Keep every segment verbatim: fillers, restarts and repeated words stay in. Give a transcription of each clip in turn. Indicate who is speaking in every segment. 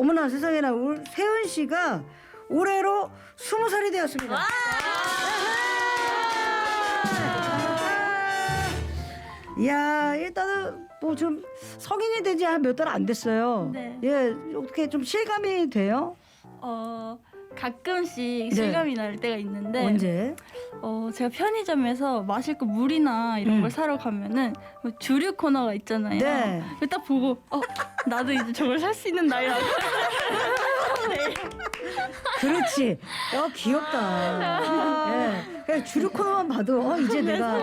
Speaker 1: 어머나 세상에나 우리 세은 씨가 올해로 스무 살이 되었습니다. 이야, 일단은 뭐 좀 성인이 되지 한 몇 달 안 됐어요.
Speaker 2: 네.
Speaker 1: 예, 어떻게 좀 실감이 돼요?
Speaker 2: 어 가끔씩
Speaker 1: 네.
Speaker 2: 실감이 날 때가 있는데
Speaker 1: 언제?
Speaker 2: 어 제가 편의점에서 마실 거 물이나 이런
Speaker 1: 음.
Speaker 2: 걸 사러 가면은 뭐 주류 코너가 있잖아요.
Speaker 1: 네.
Speaker 2: 그걸 딱 보고 어 나도 이제 저걸 살 수 있는 나이라고. 네.
Speaker 1: 그렇지. 어, 귀엽다. 예. 그냥 주류 코너만 봐도 어, 이제 내가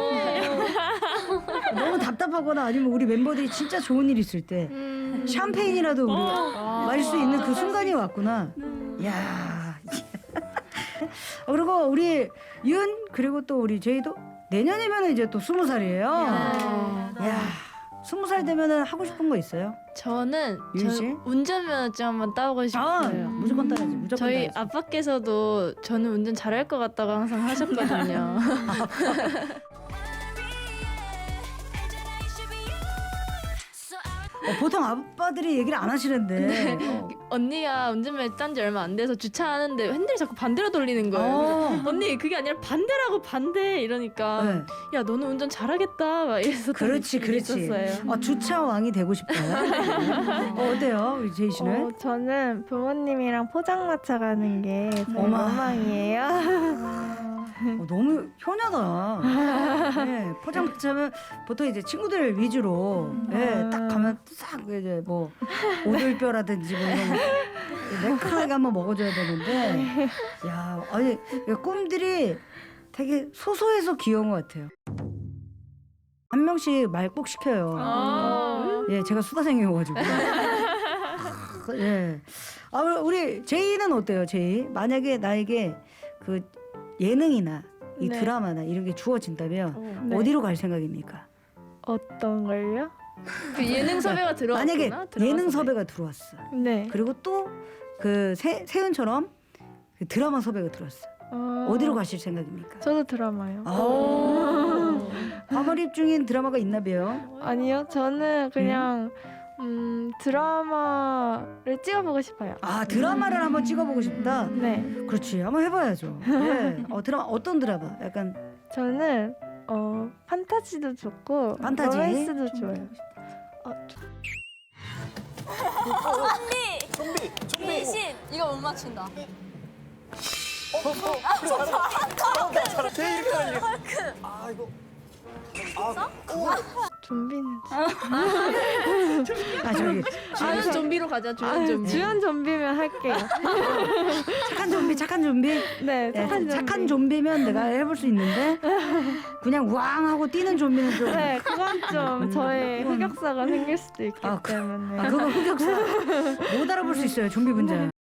Speaker 1: 너무 답답하거나 아니면 우리 멤버들이 진짜 좋은 일 있을 때 샴페인이라도 우리 마실 수 있는 그 순간이 왔구나. 야. 어, 그리고 우리 윤 그리고 또 우리 제이도 내년이면 이제 또 스무 살이에요. 야, 스무 살 되면은 하고 싶은 거 있어요?
Speaker 3: 저는
Speaker 1: 윤
Speaker 3: 저
Speaker 1: 씨?
Speaker 3: 운전면허증 한번 따보고
Speaker 1: 아,
Speaker 3: 싶어요.
Speaker 1: 무조건 따야지. 무조건
Speaker 3: 저희
Speaker 1: 따야지.
Speaker 3: 아빠께서도 저는 운전 잘할 것 같다고 항상 하셨거든요.
Speaker 1: 어, 보통 아빠들이 얘기를 안 하시는데. 어.
Speaker 3: 언니가 운전면허 딴 지 얼마 안 돼서 주차하는데 핸들이 자꾸 반대로 돌리는 거예요.
Speaker 1: 어.
Speaker 3: 언니 그게 아니라 반대라고 반대 이러니까
Speaker 1: 네.
Speaker 3: 야 너는 운전 잘하겠다 막 이래서
Speaker 1: 그렇지, 그렇지.
Speaker 3: 있었어요.
Speaker 1: 어, 주차 왕이 되고 싶다. 어, 어때요, 우리 제이 씨는?
Speaker 4: 어, 저는 부모님이랑 포장마차 가는 게 저희
Speaker 1: 어마.
Speaker 4: 로망이에요.
Speaker 1: 어, 너무 효녀다. 네, 포장마차면 보통 이제 친구들 위주로 예, 딱 가면 싹 이제 뭐 오돌뼈라든지 뭐 이런 거 매콤하게 한번 먹어줘야 되는데, 야, 아니 이 꿈들이 되게 소소해서 귀여운 것 같아요. 한 명씩 말 꼭 시켜요.
Speaker 3: 아.
Speaker 1: 예, 제가 수다생이어가지고. 예. 아, 우리 제이는 어때요, 제이? 만약에 나에게 그 예능이나 이
Speaker 4: 네.
Speaker 1: 드라마나 이런 게 주어진다면
Speaker 4: 네.
Speaker 1: 어디로 갈 생각입니까?
Speaker 4: 어떤 걸요?
Speaker 3: 그 예능 섭외가 들어왔구나.
Speaker 1: 만약에
Speaker 3: 드라마
Speaker 1: 예능
Speaker 3: 섭외.
Speaker 1: 섭외가 들어왔어.
Speaker 4: 네.
Speaker 1: 그리고 또 그 세은처럼 그 드라마 섭외가 들어왔어.
Speaker 4: 어...
Speaker 1: 어디로 가실 생각입니까?
Speaker 4: 저도 드라마요.
Speaker 1: 아, 과몰입 중인 드라마가 있나 봐요.
Speaker 4: 아니요, 저는 그냥 음, 드라마를 찍어보고 싶어요.
Speaker 1: 아, 드라마를 한번 찍어보고 싶다.
Speaker 4: 네.
Speaker 1: 그렇지, 한번 해봐야죠. 네. 어, 드라마 어떤 드라마? 약간
Speaker 4: 저는 어, 판타지도 좋고
Speaker 1: 판타지?
Speaker 4: 로맨스도 좋아요.
Speaker 5: 미신 이거 못 맞춘다.
Speaker 4: 좀비는
Speaker 1: 아 저기
Speaker 3: 주연 좀비로 가자. 주연
Speaker 4: 아,
Speaker 3: 좀비.
Speaker 4: 주연 좀비면 할게요.
Speaker 1: 착한 좀비, 착한 좀비.
Speaker 4: 네,
Speaker 1: 네,
Speaker 4: 착한 좀비.
Speaker 1: 착한 좀비면 내가 해볼 수 있는데 그냥 우왕하고 뛰는 좀비는 좀.
Speaker 4: 네, 그건 좀 저의 흑역사가 생길 수도 있기
Speaker 1: 아, 그-
Speaker 4: 때문에.
Speaker 1: 아, 그거 흑역사 못 알아볼 수 있어요, 좀비 분자.